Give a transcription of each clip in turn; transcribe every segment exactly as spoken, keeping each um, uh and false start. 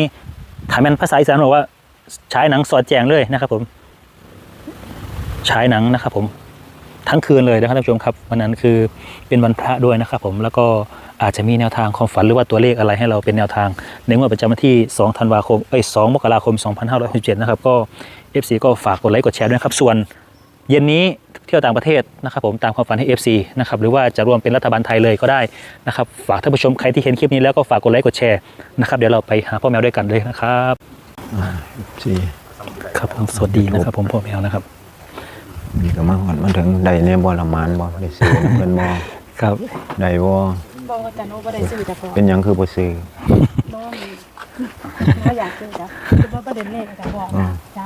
ถามเป็นภาษาอีสานบอกว่าฉายหนังสอดแจงเลยนะครับผมฉายหนังนะครับผมทั้งคืนเลยนะครับท่านผู้ชมครับวันนั้นคือเป็นวันพระด้วยนะครับผมแล้วก็อาจจะมีแนวทางความฝันหรือว่าตัวเลขอะไรให้เราเป็นแนวทางในงวดประจำวันที่สองธันวาคมเอ้ยสองมกราคมสองพันห้าร้อยหกสิบเจ็ดนะครับก็ เอฟ ซี ก็ฝากกดไลค์กดแชร์ด้วยครับส่วนเย็นนี้เที่ยวต่างประเทศนะครับผมตามความฝันให้ เอฟ ซี นะครับหรือว่าจะรวมเป็นรัฐบาลไทยเลยก็ได้นะครับฝากท่านผู้ชมใครที่เห็นคลิปนี้แล้วก็ฝากกดไลค์กดแชร์นะครับเดี๋ยวเราไปหาพ่อแมวด้วยกันเลยนะครับสี่ครับผมสวัสดีนะครับผมพ่อแมวนะครับนี่ก็มาหอดมาถึงได้เนี่ยบ่ละมานบ่ได้ซื้อเพิ่นบ่ครับได้บ่บ่แต่โนบ่ได้ซื้อแต่พอเป็นหยังคือบ่ซื้อบ่มีบ่อยากซื้อจ้ะคือว่าประเด็นเลขจ้ะบอกนะจ้า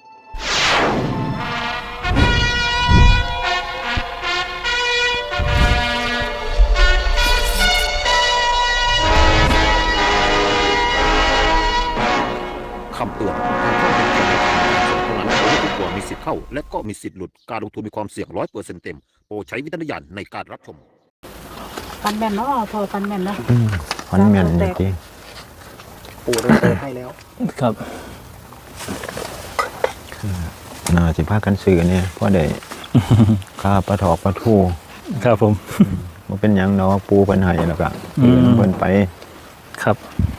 คำเตือนทางช่องเป็นเพียงแนวทางการส่งเท่านั้นไม่ทุกตัวมีสิทธิ์เข้าและก็มีสิทธิ์หลุดการลงทุนมีความเสี่ยงร้อยเปอร์เซ็นต์เต็มโปรดใช้วิจารณญาณในการรับชมฟันแม่นเนาะพอฟันแม่นเนาะฟันแม่นจริงปูเราเติมให้แล้วครับน่าสิพากันซื้อเนี่ยเพราะได้ค่าปลาถอกปลาทูครับผมบ่เป็นหยังเนาะปูเพิ่นให้แล้วก็เพิ่นไปครับ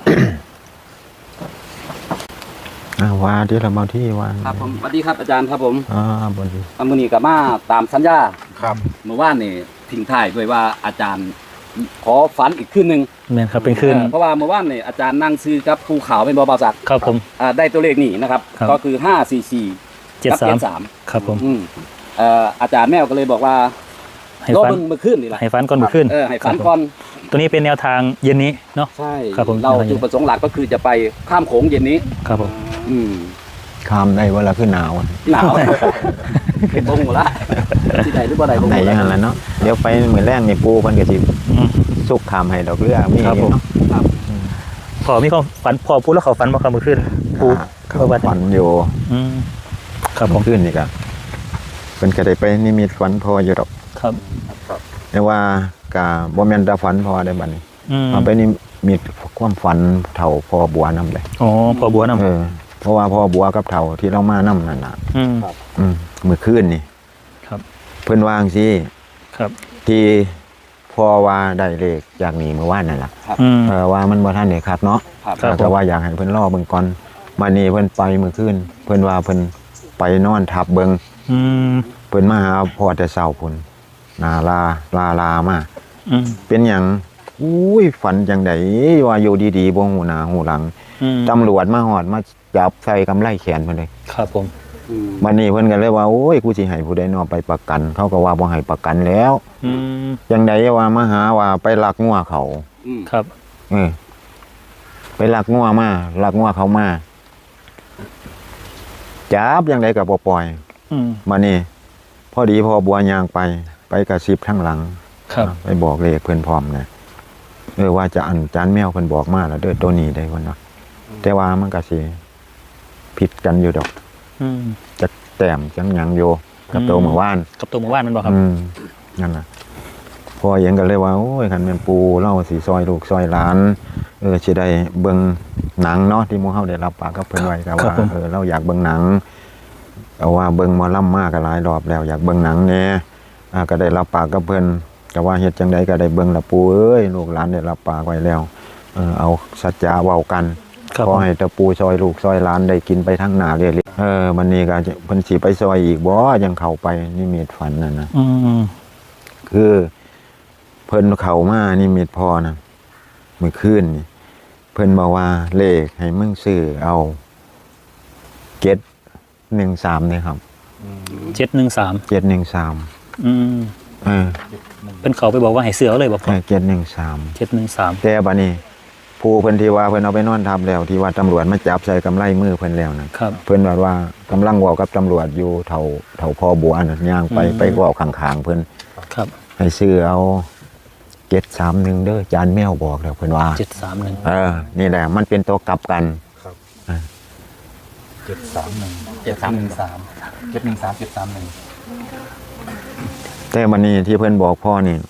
ว่าที่เรามาที่ว่าครับผมสวัสดีครับอาจารย์ครับผมอ่าบนดีมื้อนี้ก็มาตามสัญญาครับเมื่อวานนี่ทิ้งท้ายด้วยว่าอาจารย์ขอฝันอีกคืนนึงแม่นครับเป็นคืนเพราะว่าเมื่อวานนี่อาจารย์นั่งซื้อกับภูเขาเป็นบ่าวศักดิ์ครับผมอ่าได้ตัวเลขนี่นะครับก็คือห้า สี่ สี่เจ็ด สามครับผมอืมเอ่ออาจารย์แมวก็เลยบอกว่าให้ฝันเมื่อคืนนี่ล่ะให้ฝันก่อนเมื่อคืนเออให้ฝันก่อนตัวนี้เป็นแนวทางเย็นนี้เนาะใช่ครับผมเราจุดประสงค์หลักก็คือจะไปข้ามโขงเย็นนี้ครับผมอืมข้ามได้เวลาขึ้นหนาวหนาวเป็นบงหมดละที่ไหนหรือบ่ได้บงไหนอย่างนั้นเนาะเดี๋ยวไปเหมือนแรกในปูพันกระชิบสุกขามให้ดอกเรือมีเนาะครับพอมีความฝันพอพูดแล้วเขาฝันมาคำเมื่อคืนปูเขาฝันอยู่ครับผมขึ้นนี่ก็เป็นกระไดไปนิมิตฝันพออยู่ดอกครับแต่ว่ากะบ่แม่นตาฝันพอได้บัดนี้มาไปนิมิตความฝันเท่าพอบัวนำเลยอ๋อพอบัวนำเออเพราะว่าพ่อบัวกับเฒ่าที่เรามานำนั่นน่ะอืมอืมมื้อคืนนี่ครับเพิ่นวางสิครับที่พ่อว่าได้เลขจากนี้เมื่อวานนั่นล่ะเออว่ามันบ่ทันได้ครับเนาะแต่ว่าอยากให้เพิ่นรอเบิ่งก่อนมานี่เพิ่นไปมื้อคืนเพิ่นว่าเพิ่นไปนอนทับเบิ่งอืมเพิ่นมาหาพ่อแต่เช้าพุ่นนาลาลาลามาอืมเป็นหยังอุ้ยฝันจังได๋ว่าอยู่ดีๆบ่ฮู้หน้าฮู้หลังตำรวจมาฮอดมาจับใส่กำไลแขนเพิ่นเลยครับผมบัดนี้เพิ่นก็เลยว่าโอ้ยกูสิให้ผู้ใดนอไปประกันเขาก็ว่าบ่ให้ประกันแล้วอืมจังได๋ว่ามาหาว่าไปลักงัวเขาครับเออไปลักงัวมาลักงัวเขามาจับจังได๋ก็บ่ปล่อยอืมบัดนี้พอดีพอบัวย่างไปไปกระซิบข้างหลังครับไปบอกเลขเพิ่นพร้อมนะเออว่าจะอันจานแมวเพิ่นบอกมาแล้วเด้อตัวนี้ได้เพิ่นว่าแต่ว่ามันก็สิผิดกันอยู่ดอกอืมจะแต้มจังหยังอยู่กับตัวเมื่อวานกับตัวเมื่อวานมันบ่ครับอืมนั่นน่ะพอเห็นกันเลยว่าโอ้ยคันแม่นปูเล่าสิซอยลูกซอยหลานเออสิได้เบิ่งหนังเนาะที่หมู่เฮาได้รับปากกับเพิ่นไว้ก็ว่าเออเราอยากเบิ่งหนังเอาว่าเบิ่งหมอลำมาก็หลายรอบแล้วอยากเบิ่งหนังแน่อ่าก็ได้รับปากกับเพิ่นก็ว่าเฮ็ดจังได๋ก็ได้เบิ่งละปูเอ้ยลูกหลานได้รับปากไว้แล้วเออเอาสัจจะเว้ากันขอให้ตะปูซอยลูกซอยหลานได้กินไปทั้งหน้าเรื่อยๆเออวันนี้ก็เพิ่นสิไปซอยอีกบ่ยังเข้าไปนิมิตฝันนั่นน่ะอืมคือเพิ่นเข้ามานิมิตพอน่ะมื้อคืนนี่เพิ่นบอกว่าเลขให้มึงซื้อเอาเจ็ดหนึ่งสามนี่ครับเจ็ดหนึ่งสามเจ็ดหนึ่งสามอืมเออเพิ่นเข้าไปบอกว่าให้ซื้อเอาเลยบ่พ่อเจ็ดหนึ่งสามเจ็ดหนึ่งสามแต่บัดนี้ผู้เพิ่นที่ว่าเพิ่นเอาไปนอนทับแล้วที่ว่าตำรวจมาจับใส่กำไลมือเพิ่นแล้วนั่นเพิ่นว่าว่ากำลังเว้ากับตำรวจอยู่เฒ่าเฒ่าพ่อบัวน่ะย่างไปไปเว้าข้างๆเพิ่นครับให้ซื้อเอาเจ็ดสามหนึ่งเด้อจานแมวบอกแล้วเพิ่นว่าเจ็ดสามหนึ่งเออนี่แหละมันเป็นตัวกลับกันครับเจ็ดสามหนึ่ง เจ็ดสามหนึ่งสาม เจ็ดหนึ่งสาม เจ็ดสามหนึ่งแต่วันนี้ที่เพิ่นบอกพ่อนี่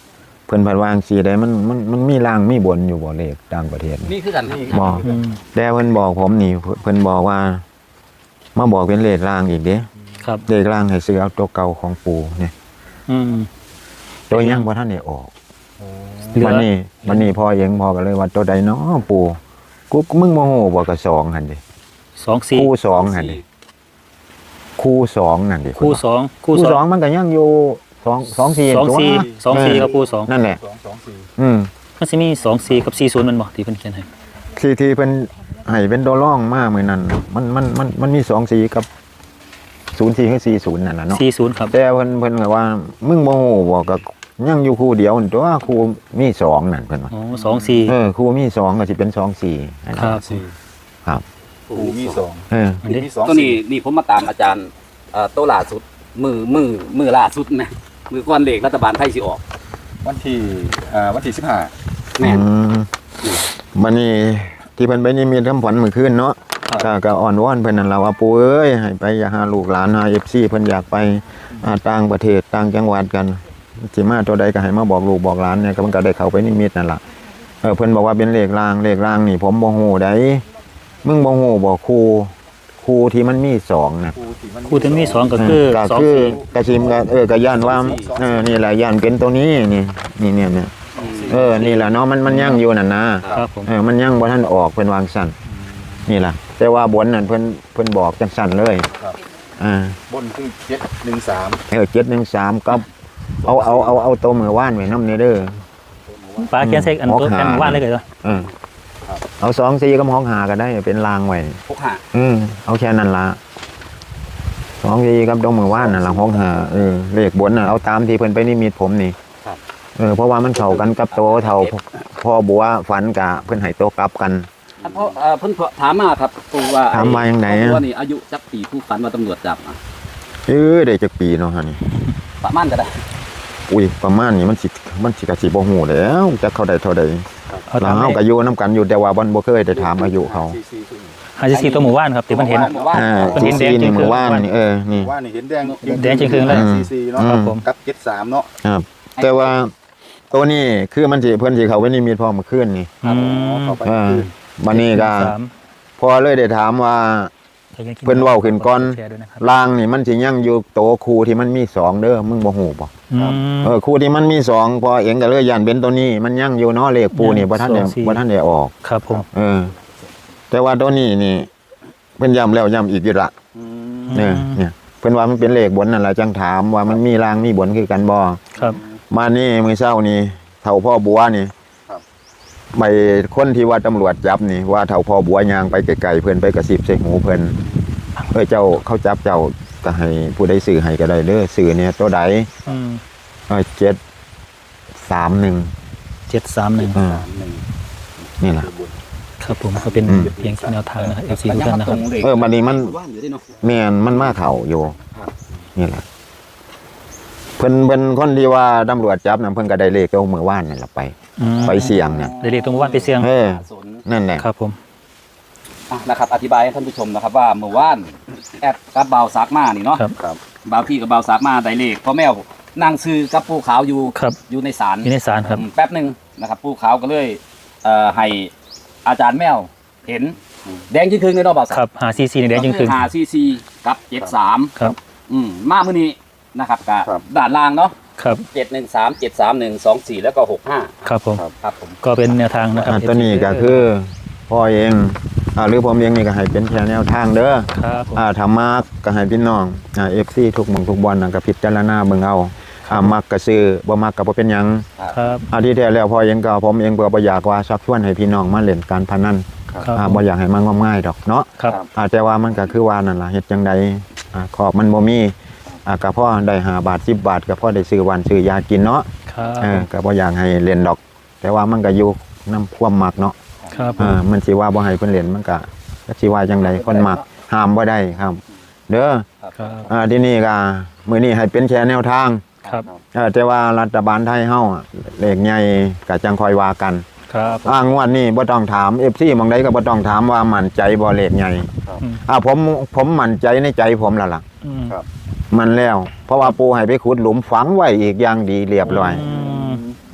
เพิ่นเพันวาจั่งซี่ได้มันมันมันมีล่างมีบนอยู่บ่เลขต่างประเทศนี่คือกันครับบ่อืมแต่เพิ่นบอกผมนี่เพิ่นบอกว่ามาบอกเป็นเลขล่างอีกเด้ครับเลขล่างให้ซื้อเอาตัวเก่าของปู่เนี่ยอืมตัวยังบ่ทันได้ออกเหลือวันนี้วันนี้พ่อเองพ่อก็เลยว่าตัวใดเนาะปู่กูมึงโมโหบ่ก็สองหั่นดิสองสี่คู่สองหั่นดิคู่สองนั่นดิคู่สองคู่คู่สสออง งมันก็ยังอยู่สองสองสี่สองสี่ตัวสองสี่กับคู่สองนั่นแหละสองสองสี่อืมมันสิมีสองสี่กับสี่ศูนย์มันบ่ที่เพิ่นเขียนให้ที่ที่เพิ่นให้เป็นตัวร่องมามื้อนั้นน่ะมันมันมันมันมีสองสี่กับศูนย์สี่กับสี่ศูนย์นั่นน่ะเนาะสี่ศูนย์ครับแต่เพิ่นเพิ่นก็ว่ามึงโมโหบ่ก็ยังอยู่คู่เดียวนั่นตัวคู่มีสองนั่นเพิ่นว่าอ๋อสองสี่เออคู่มีสองก็สิเป็นสองสี่อันนั้นครับสี่ครับปูมีสองเอออันนี้มีสองตัวนี้สี่นี่ผมมาตามอาจารย์เอ่อโตล่าสุดมือมือมือล่าสุดนะมือก้อนเลขรัฐบาลไทยสิออกวันที่อ่าวันที่สิบห้าแม่นอืมบัดนี้ที่เพิ่นไปนี่มีทำผลมื้อคืนเนาะ ก็ก็อ่อนวอนเพิ่นนั่นล่ะว่าปู่เอ้ยให้ไปอย่าหาลูกหลานหา เอฟ ซี เพิ่นอยากไปอ่าต่างประเทศต่างจังหวัดกันสิมาตัวใดก็ให้มาบอกลูกบอกหลานเนี่ยก็มันก็ได้เข้าไปนิมิตนั่นล่ะเออเพิ่นบอกว่าเป็นเลขรางเลขรางนี่ผมบ่ฮู้ได้มึงบ่ฮู้บ่ครูครูที่มันมีสองน่ะปูที่มันคู่ที่มีสองก็คือก็สองคือสี่กระชิมก็เออก็ย่านว่าเออนี่แหละย่านเป็นตัวนี้นี่นี่เนี่ยเนี่ยเออนี่แหละเนาะมันมันยังอยู่นั่นนะครับผมเออมันยังบ่ทันออกเพิ่นวางสั่นนี่ล่ะแต่ว่าบนนั่นเพิ่นเพิ่นบอกจังสั่นเลยครับอ่าบนคือเจ็ดหนึ่งสามเออเจ็ดหนึ่งสามกับเอาเอาเอาเอาตัวมือว่านไว้น้ำเนเด้อปลาเขียนเซ็กอันตัวหกหากันว่านเลยก็ได้เออเอาสองสี่กับห้องหาก็ได้เป็นรางไว้พกหาอืมเอาแค่นั้นละสองสี่กับตรงมือว่านน่ะละห้องหาเออเลขบนน่ะเอาตามที่เพิ่นไปนิมิตผมนี่เออเพราะว่ามันเข้ากันกับโตเท่าพ่อบัวฝันกะเพิ่นให้โตกลับกันอันเพราะเอ่อเพิ่นถามมาครับปูว่าถามมาอย่างไหนอะตัวนี้อายุจักปีผู้ฝันว่าตำรวจจับอะเออได้จักปีเนาะฮะนี่ประมาณก็ได้อุ้ยประมาณนี้มันสิมันสิกะสิบ่ฮู้แล้วจักเขาได้เท่าใดเอาแล้ตาว มเฮาก็อยู่นํกันอยู่แต่ว่าบ่บ่เคยได้ถามอายุเขาสี่สี่สี่ห้าสิบสี่ตัวหมู่บ้านครับที่มันเห็นหมู่บ้านอ่ามันเห็สี่นแดงสี่นี่จริงๆมือว่านนี่เออนี่ว่านี่เห็นแดงแดงจริงๆเลยสี่สี่เนาะครับผมกับเจ็ดสามเนาะครับ แต่ว่าตัวนี้คือมันสิเพิ่นสิเขาไว้นิมิตพอเมื่อคืนนี่อืมเข้าไปอ่าบัดนี้ก็สามพอเลยได้ถามว่า เพิ่นเว้าขึ้นก่อนแชร์ด้วยนะครับลางนี่มันสิยังอยู่โตครูที่มันมีสองเด้อมึงบ่ฮู้บ่อืมเออครูที่มันมีสองพอเองก็เลยย่านเป็นตัวนี้ มันยังอยู่เนาะเลขปูนี่บ่ทันได้สองสี่บ่ทันได้ออกครับผมเออ แต่ว่าตัวนี้นี่เพิ่นย้ำแล้วย้ำอีกอยู่ละเนี่ยเนี่ยเพิ่นว่ามันเป็นเลขบนนั่นล่ะจังถามว่ามันมีลางมีบนคือกันบ่ครับมานี่มื้อเช้านี่เฒ่าพ่อบัวนี่ไปคนที่ว่าตำรวจจับนี่ว่าเฒ่าพ่อบัวยางไปไกลๆเพิ่นไปกระซิบใส่หูเพิ่นเอ้ยเจ้าเขาจับเจ้าก็ให้ผู้ใดซื้อให้ก็ได้เด้อซื้อเนี่ยตัวใดอืมเอ้ยเจ็ดสามหนึ่งเจ็ดสามหนึ่งอ่านี่ล่ะครับผมก็เป็นอืมเพียงแนวทางนะครับ เอฟ ซี ทุกท่านนะครับเออบัดนี้มันว่านอยู่ที่เนาะแม่นมันมาเข้าอยู่ครับนี่ล่ะเพิ่นเพิ่นคนที่ว่าตำรวจจับนั่นเพิ่นก็ได้เลขเอามือว่านนั่นล่ะไปอืมไปเสี่ยงเนี่ยได้เรียกตรงหมู่บ้านไปเสียงเออสนนั่นแหละครับผมอ่ะนะครับอธิบายให้ท่านผู้ชมนะครับว่าเมื่อวานแอดกับบ่าวซักมานี่เนาะครับครับบ่าวพี่กับบ่าวซักมาได้เลขพ่อแมวนั่งซื้อกับปูขาวอยู่ครับอยู่ในศาลอยู่ในศาลครับอืมแป๊บหนึ่งนะครับปูขาวก็เลยเอ่อให้อาจารย์แมวเห็นแดงจริงคืนเลยเนาะบ่าวซักครับหาซีซีในแดงจริงคืนหาซีซีกับเจ็ดสามครับอืมมามื้อนี้นะครับกับครับด้านล่างเนาะครับเจ็ดหนึ่งสามเจ็ดสามหนึ่งสองสี่แล้วก็หกห้าครับผมครับผมก็เป็นแนวทางนะครับอ่าตัวนี้ก็คือพ่อเองอ่าหรือผมเองนี่ก็ให้เป็นแค่แนวทางเด้อครับผมอ่าถ้ามักก็ให้พี่น้องอ่า เอฟ ซี ทุกหม่องทุกบอลน่ะก็พิจารณาเบิ่งเอาอ่ามักก็ซื้อบ่มักก็บ่เป็นหยังครับอ่าที่แท้แล้วพ่อเองก็ผมเองก็บ่อยากว่าชักชวนให้พี่น้องมาเล่นการพนันครับอ่าบ่อยากให้มันงมง่ายดอกเนาะครับอ่าแต่ว่ามันก็คือว่านั่นล่ะเฮ็ดจังใดอ่าขอบมันบ่มีอ่าก็พอได้ห้าบาทสิบบาทก็พอได้ซื้อหวานซื้อยากินเนาะครับเออก็บ่อยากให้เล่นดอก แต่ว่ามันก็อยู่นำความมักเนาะครับผอ่าม มันสิว่าบ่ให้เพิ่นเล่นมันก็ก็สิว่าจังไดคนมักห้ามบ่ได้ครับ เด้อครับอ่าที่นี่ก็มื้อนี้ให้เป็นแค่แนวทางครับเออแต่ว่ารัฐบาลไทยเฮาอะเลขใหญ่ก็จังคอยว่ากันครับผมอ่างวดนี้บ่ต้องถาม เอฟ ซี หม่องใดก็บ่ต้องถามว่ามั่นใจบ่เลขใหญ่อืมอ่าผมผมมั่นใจในใจผมแล้วล่ะอืมมันแล้ว เพราะว่าปู่ให้ไปขุดหลุมฝังไว้อีกอย่างดีเรียบร้อยม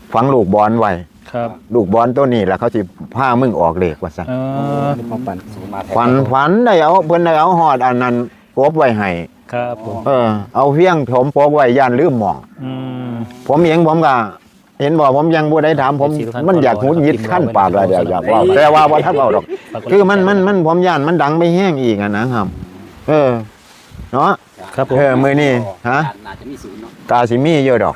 ฝังลูกบอลไว้ครับลูกบอลตัวนี้แล้วเขาสิพามึงออกเลขว่าซั่นเออความฝันสูงมาแท้ฝันฝันได้เอาเพิ่นได้เอาฮอดอันนั้นกบไว้ให้ครับผมเออเอาเพียงผมปกไว้ย่านลืมหม่องอืมผมเองผมก็เห็นบอกผมยังบ่ได้ถามผมเอฟซีทุกท่านมันอยากหุดหงิดขั้นปากเลยเดี๋ยวอยากเว่าแต่ว่าบ่ทันเว้าดอก คือมันมันมันผมย่านมันดังไปแห้งอีกอะนะครับ เออเนาะครับผมเออมื้อนี้ฮะน่าจะมีศูนย์เนาะกาสิมีเยอะดอก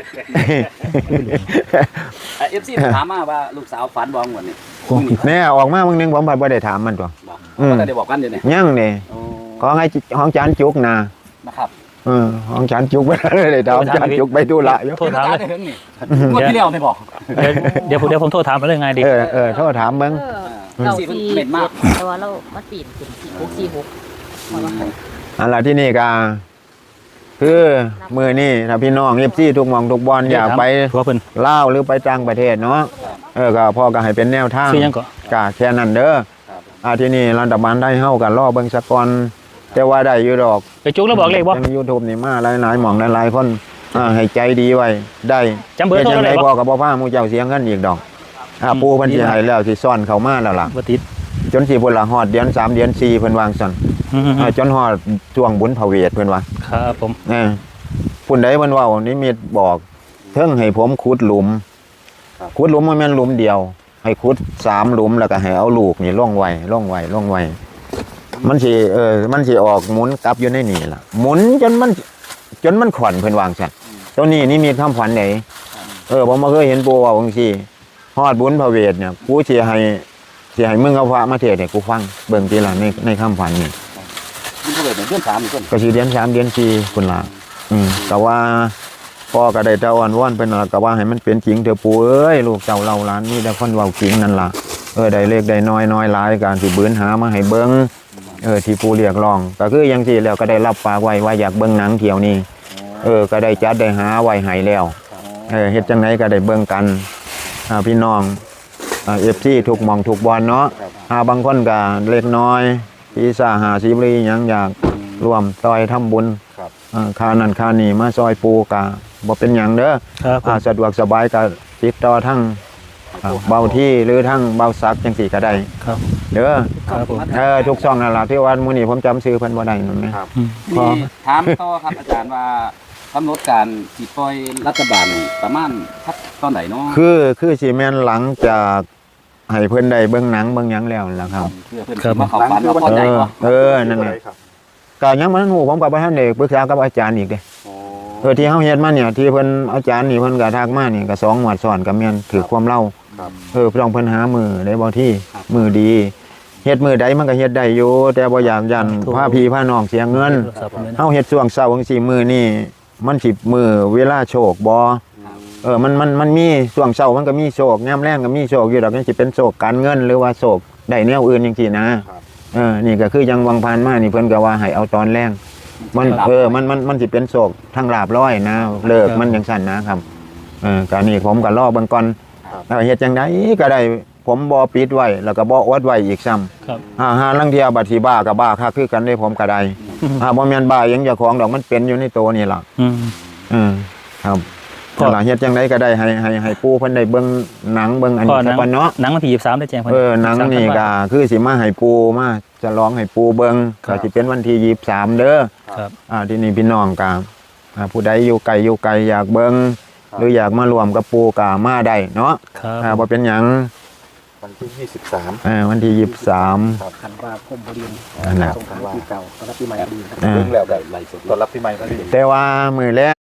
เอฟซีถามมาว่าลูกสาวฝันบ้องวันนี้แน่ออกมามื้อนึงผมบ่ได้ถามมันตัวบอกอืมก็ได้บอกกันเดี๋ยวนี้ยังนี่โอ้ของให้ห้องจานจุกนะนะครับเออห้องจานจุกไปเลยถามจานจุกไปธุระอยู่โทรถามเลยได้ถึงนี่งวดที่แล้วไม่บอกเดี๋ยวเดี๋ยวผมเดี๋ยวผมโทรถามมาเรื่องไงดีเออเออโทรถามเบิ่งเออเก้าสี่เพิ่นสี่เม็ดมากแต่ว่าเรามันปีนขึ้นสี่หกสี่หกมาว่าให้อันละที่นี่ก็คือมื้อนี้ถ้าพี่น้อง เอฟ ซี ทุกหม่องทุกบอนอยากไปทัวเพิ่นลาวหรือไปต่างประเทศเนาะเออก็พ่อก็ให้เป็นแนวทางซื้อยังก่อนก็แค่นั้นเด้อครับอ่าที่นี่รัฐบาลได้เฮากันรอเบิ่งสักก่อนแต่ว่าได้อยู่ดอกไปจุกแล้วบอกเลขบ่ใน YouTube นี่มาหลายๆหม่องหลายๆคนอ่าให้ใจดีไว้ได้จำเบอร์โทรจังได้ได๋บ่พ่อก็บ่พาหมู่เจ้าเสียเงินอีกดอกอ่าอืมปู่เพิ่นดีสิมากให้แล้วสิซ่อนเข้ามาแล้วล่ะบ่ติดจนสิพุ่นละฮอดเดือนสามเดือนสี่เพิ่นวางซั่นอืมอ่าจนฮอดช่วงบุญพระเวทเพิ่นว่าครับผมเออพุ่นใดเพิ่นเว้านิมิตบอกเทิงให้ผมขุดหลุมขุดหลุมบ่แม่นหลุมเดียว ให้ขุดสามหลุมแล้วก็ให้เอาลูกนี่ลงไว้ลงไว้ลงไว้มันสิเออมันสิออกหมุนกลับอยู่ในนี่ล่ะหมุนจนมันจนมันขวัญเพิ่นวางซั่นตัวนี้นี่มีคำขวัญไหนเออผมบ่เคยเห็นปู่เว้าจังซี่ฮอดบุญพระเวทเนี่ยกูสิให้สิให้มึงเอาพระมาเทศน์ให้กูฟังเบิ่งทีละในในคำขวัญนี่คุณผู้ชมเดือนสามอีกคนก็สิเดือนสามเดือนสี่พุ่นล่ะอืมแต่ว่าพ่อก็ได้แต่อ่อนวอนเพิ่นล่ะก็ว่าให้มันเป็นจริงเถอะปู่เอ้ยลูกเจ้าเล่าหลานมีแต่คนเว้าจริงนั่นล่ะเออได้เล็กได้น้อยน้อยหลายการสิบืนหามาให้เบิ่งเออที่ปู่เรียกร้องก็คือจังซี่แล้วก็ได้รับปากไว้ว่าอยากเบิ่งหนังเที่ยวนี้เออก็ได้จัดได้หาไว้ให้แล้วเออเฮ็ดจังไดก็ได้เบิ่งกันอ่าพี่น้องอ่า เอฟ ซี ทุกหม่องทุกบอนเนาะอ่าบางคนก็เล็กน้อยปีซ่าห้าสิบหรือหยังอยากร่วมซอยทำบุญครับอ่าค่านั่นค่านี่มาซอยปูกะบ่เป็นหยังเด้อครับผมอ่าสะดวกสบายก็ติดต่อทั้งอ่าเบาที่หรือทั้งเบาซักจังซี่ก็ได้ครับเด้อครับผมเออทุกช่องนั่นล่ะที่ว่ามื้อนี้ผมจำชื่อเพิ่นบ่ได้นั่นแหมอืมพอนี่ถามต่อครับอาจารย์ว่ากำหนดการสิปล่อยรัฐบาลนี่ประมาณสักตอนไหนเนาะคือคือสิแม่นหลังจากให้เพิ่นได้เบิ่งหนังเบิ่งหยังแล้วนั่นล่ะครับเพื่อเพื่อนสิมาเข้าฝันว่าพอเอใจอบ่เออนั่นแหละก็ยังบ่ทันฮู้ผมก็บ่ทันได้ปรึกษากับอาจารย์อีกเด้ เออที่เฮาเฮ็ดมาเนี่ยที่เพิ่นอาจารย์นี่เพิ่นก็ทักมานี่ก็สองงวดซ้อนก็แม่นถือความเล่าเออต้องเพิ่นหามือได้บ่ที่มือดีเฮ็ดมือใดมันก็เฮ็ดได้อยู่แต่บ่อยากยันพาพี่พาน้องเสียเงินเฮาเฮ็ดช่วงเช้าจังซี่มื้อนี่มันสิมื้อเวลาโชคบ่เออมันมันมันมีช่วงเช้ามันก็มีโชคยามแลงก็มีโชคอยู่ดอกมันสิเป็นโชคการเงินหรือว่าโชคได้แนวอื่นจังซี่นะเออนี่ก็คือยังวังผ่านมานี่เพิ่นก็ว่าให้เอาตอนแรงมันเออมันมันมันสิเป็นโชคทางลาบร้อยนะเลิกมันจังซั่นนะครับเออก็นี่ผมก็รอเบิ่งก่อนแล้วเฮ็ดจังไดก็ได้ผมบ่ปิดไว้แล้วก็บ่อดไว้อีกซ้ำครับอ่าหาลังเทียบัดสิบ้าก็บ้าคักคือกันได้ผมก็ได้อ่าบ่แม่นบ้าหยังเจ้าของดอกมันเป็นอยู่ในตัวนี่ล่ะอืมอืมครับพ่อนั่นล่ะเฮ็ดจังไดก็ได้ให้ให้ให้ปู่เพิ่นได้เบิ่งหนังเบิ่งอันพ่อนี้หนัซะงก่อนเนาะหนังวันที่ยี่สิบสามได้แจ้งพิ่เออหนังนี่ก็คือสิมาให้ปู่มาจะร้องให้ปู่เบิ่งครัก็บสิเป็นวันที่ยี่สิบสามเด้อครับอ่าที่นี่พี่น้องก็อ่าผู้ใดอยู่ไกลอยู่ไกลอยากเบิ่งหรืออยากมารวมกับปู่ก็มาได้เนาะครับอ่าบ่เป็นหยังวันที่ยี่สิบสามเออวันที่ยี่สิบสามธันวาคมพอดีนั่นแหละสงกรานต์ปีเก่าต้อนรับปีใหม่พอดีเออเรื่องแล้วได้ไล่สดต้อนรับปีใหม่พอดีแต่ว่ามื้อแรก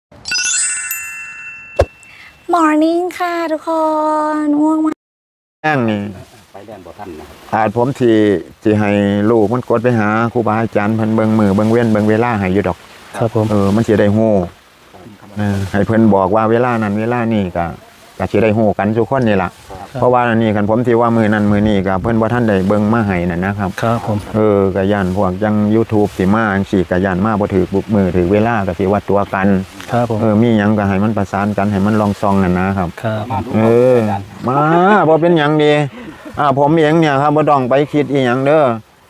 Morning ค่ะทุกคนง่วงมากแรงนี่ไปแล่นบ่ทันนะครับอาจผมที่ที่ให้ลูกมันกดไปหาครูบาอาจารย์เพิ่นเบิ่งมือเบิ่งเว้นเบิ่งเวลาให้อยู่ดอกครับผมเออมันสิได้ฮู้เออให้เพิ่นบอกว่าเวลานั้นเวลานี้ก็ก็สิได้ฮู้กันทุกคนนี่ล่ะเพราะว่าอันนี้คันผมสิว่ามื้อนั้นมื้อนี้ก็เพิ่นบ่ทันได้เบิ่งมาให้นั่นนะครับครับผมเออก็ย่านพวกจัง YouTube สิมาจังซี่ก็ย่านมาบ่ถูกบุกมือถูกเวลาก็สิว่าตัวกันครับผมเออมีหยังก็ให้มันประสานกันให้มันลองซองนั่นนะครับครับผมเออมาบ่เป็นหยังดีอ่าผมเองเนี่ยครับบ่ต้องไปคิดอีหยังเด้อ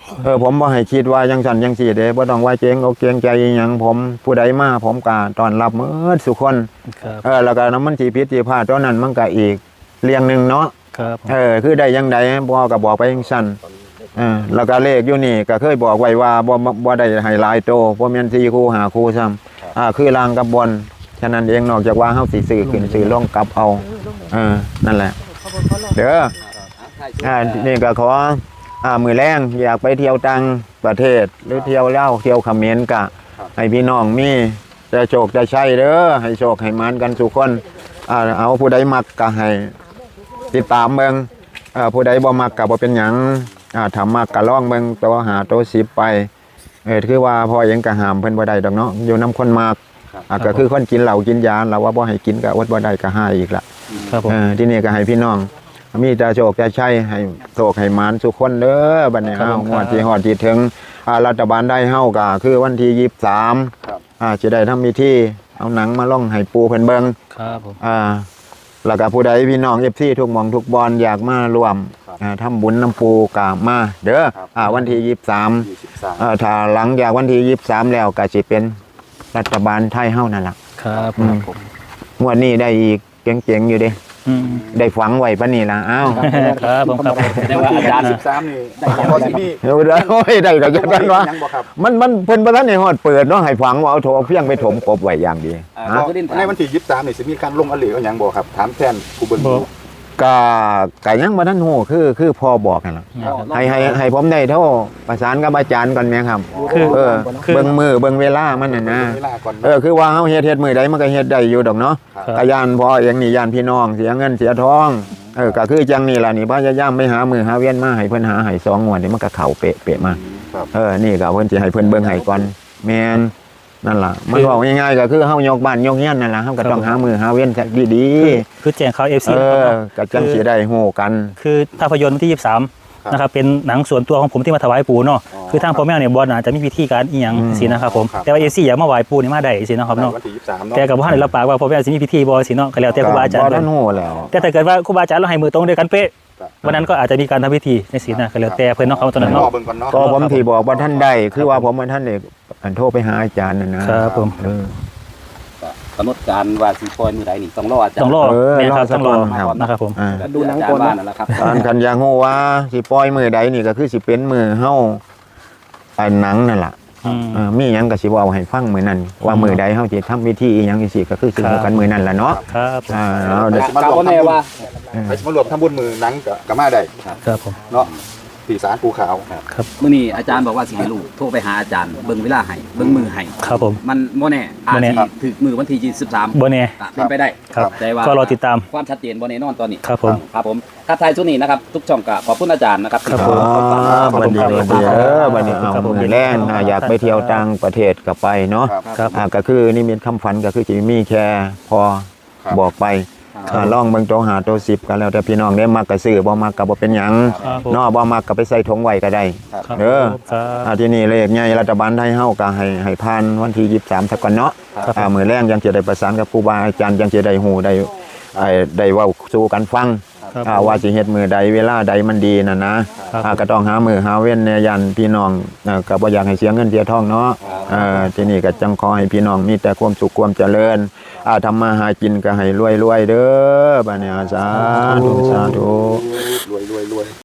เออผมบ่ให้คิดว่าจังซั่นจังซี่เด้บ่ต้องว่าเกรงอกเกรงใจอิหยังผมผู้ใดมาผมก็ต้อนรับหมดทุกคนครับเออแล้วก็น้ำมันสิผิดสิพลาดตอนนั้นมันก็อีกเรื่องหนึงเนาะครับเออคือได้ยังไดบ่ก็บอกไปจังซั่นเออแล้วก็เลขอยู่นี่ก็เคยบอกไว้ว่าบ่บ่บ่ได้ให้หลายโตบ่แม่นสี่คู่ห้าคู่ซ้ำอ่าคือลางกับบนฉะนั้นเองนอกจากว่าเฮาสิซื้อขึ้นซื้อลงกลับเอาเออนั่นแหละเด้ออ่านี่ก็ขออ่ามื้อแรงอยากไปเที่ยวต่างประเทศหรือเที่ยวลาวเที่ยวเขมรก็ให้พี่น้องมีแต่โชคแต่ชัยเด้อให้โชคให้มานกันทุกคนอ่าเอาผู้ใดมักก็ให้ติดตามเบิ่งอ่าผู้ใดบ่มักก็บ่เป็นหยังอ่าถ้ามักก็ลองเบิ่งตัวหาตัวสิบไปเออคือว่าพ่อเองก็ห้ามเพิ่นบ่ได้ดอกเนาะอยู่นํคนมักอ่าก็คือคนกินเหล้ากินยาเราว่าบ่ให้กินก็อดบ่ได้ก็หาอีกละครับผมเออที่นี่ก็ให้พี่น้องมีแต่โชคแต่ชัยให้โชคให้หมานทุกคนเด้อบัดนี้ครับเฮาผมงวดที่ฮอดที่ถึงอ่ารัฐบาลได้เฮาก็คือวันที่ยี่สิบสามอ่าสิได้ทำพิธีเอาหนังมาล่องให้ปูเพิ่นเบิ่งครับผมอ่าแล้วก็ผู้ใดพี่น้อง เอฟ ซี ทุกหม่องทุกบอนอยากมาร่วมอ่าทำบุญน้ำปูก็มาเด้ออ่าวันที่ยี่สิบสามอ่าถ้าหลังจากวันที่ยี่สิบสามแล้วก็สิเป็นรัฐบาลไทยเฮานั่นล่ะครับผอืมมงวดนี้ได้อีกเจ๋งๆอยู่เด้อืมได้ฝังไว้ปะนี่ล่ะอ้าวครับผมครับผมแสดงว่าอาจารย์สิบสามนี่ได้พอสิมีเดี๋ยวเดี๋ยวโอ้ยได้ก็จะกันวะยังบ่ครับมันมันเพิ่นบ่ทันได้ฮอดเปิดเนาะให้ฝังว่าเอาโถเอาเพียงไปถมกบไว้อย่างดีอ่าฮะก็ดินในวันที่ยี่สิบสามนี่สิมีการลงอเหลวยังบ่ครับถามแทนผู้เบิ่งบ่ดูก็ก็ยังบ่ทันฮู้คือคือพ่อบอกนั่นล่ะให้ให้ให้ผมได้โทรประสานกับอาจารย์ก่อนแม่ครับคือเออคือเบิ่งมือเบิ่งเวลามันน่ะนะเวลาก่อนเออคือว่าเฮาเฮ็ดเฮ็ดมื้อใดมันก็เฮ็ดได้อยู่ดอกเนาะครับก็ย่านพ่อเองนี่ย่านพี่น้องเสียเงินเสียทองเออก็คือจังนี่ล่ะนี่พยายามไปหามือหาเวียนมาให้เพิ่นหาให้สองงวดนี่มันก็เข้าเป๊ะๆมาครับเออ นี่ก็เพิ่นสิให้เพิ่นเบิ่งให้ก่อนแม่นนั่นล่ะ มันบอกง่ายๆก็คือเฮายกบ้านยกเฮียนนั่นล่ะเฮาก็ต้องหามือหาเว้นซะดีคือแจ้งข่าว เอฟๆซีเออก็จังสิได้ฮู้กันคือภาพยนตร์วันที่ยี่สิบสามครับนะครับเป็นหนังส่วนตัวของผมที่มาถวายปู่เนาะคือทางพ่อแม่เนี่ยบอลอาจจะมีพิธีการอีหยังอืมสินะครับผมครับแต่ว่าเอซี่อยากมาไหว้ปู่นี่มาได้สินะครับเนาะวันที่ยี่สิบสามเนาะแต่กับว่าได้รับปากว่าพ่อแม่สิมีพิธีบ่สิเนาะก็แล้วแต่ครูบาอาจารย์บ่เพิ่ทันนฮู้แล้วแต่ถ้าเกิดว่าครูบาอาจารย์เราให้มือตรงด้วยกันเป๊ะครับวันนั้นก็อาจจะมีการทำพิธีในศีลนะก็แล้วแต่เพิ่นเนาะเขาตอนนั้นรอเนาะเบิ่งก่อนเนาะก็ผมที่บอกว่าท่านได้คือว่าผมว่าท่านได้อันโทรไปหาอาจารย์นั่นนะครับผมเออกำหนดการว่าสิปล่อยมื้อใดนี่ต้องรออาจารย์ต้องรอเออแม่ครับรอสักต้องรอก่อนครับนะครับผมอ่าดูหนังก่อนว่านั่นแหละครับตอนคันอยากฮู้ว่าสิปล่อยมื้อใดนี่ก็คือสิเป็นมื้อเฮาไอ้หนังนั่นล่ะอืมเออมีหยังก็สิเว้าให้ฟังมื้อนั้นว่ามื้อใดเฮาสิทำพิธีอีหยังจังซี่ก็คือสิครับฮู้กันมื้อนั้นล่ะเนาะครับผมอ่าเอาเดี๋ยวกาบ่แน่ว่าไปมารวมทำบุญมือหนังก็ก็มาได้ครับผมเนาะที่ศาลภูขาวมื้อนี้อาจารย์บอกว่าสิให้ลูกโทรไปหาอาจารย์เบิ่งเวลาให้เบิ่งมือให้ครับผมมันบ่แน่อาจบ่แน่สิถึกมือวันที่ยี่สิบสามบ่แน่ก็เป็นไปได้ครับแต่ว่าก็รอติดตามความชัดเจนบ่แน่นอนตอนนี้ครับผมครับผมครับท้ายสุดนี้นะครับทุกช่องก็ขอบคุณอาจารย์นะครับครับที่ผมขออ๋อขอบบัดคุณนี้ครับบัดนี้เออบัดนี้เอาครับผมมือแล่นอ่าอยากไปเที่ยวต่างประเทศก็ไปเนาะครับครับอ่าก็คือนิมิตคำฝันก็คือจะมีแค่พอครับบอกไปอ่าลองเบิ่งโตหาโตสิบก็แล้วแต่พี่น้องได้มักก็ซื้อบ่มักก็บ่เป็นหยังครับผมเนาะบ่มักก็ไปใส่ถุงไว้ก็ได้ครับเด้อครับอ่าที่นี่เลขใหญ่รัฐบาลไทยเฮาก็ให้ให้ผ่านวันที่ยี่สิบสามซะก่อนเนาะครับอ่ามื้อแรงยังจะได้ประสานกับครูบาอาจารย์ยังจะได้ฮู้ได้ไอ้ได้เว้าสู่กันฟังครับอ่าว่าสิเฮ็ดมื้อใดเวลาใดมันดีน่ะนะครับ อ่าก็ต้องหามื้อหาเว้นในยันพี่น้องอ่าก็บ่อยากให้เสียเงินเสียทองเนาะอ่าที่นี่ก็จังขอให้พี่น้องมีแต่ความสุขความเจริญอ่าทำมาหากินก็ให้รวยๆเด้อบัดนี้สาธุสาธุรวยรวยรวย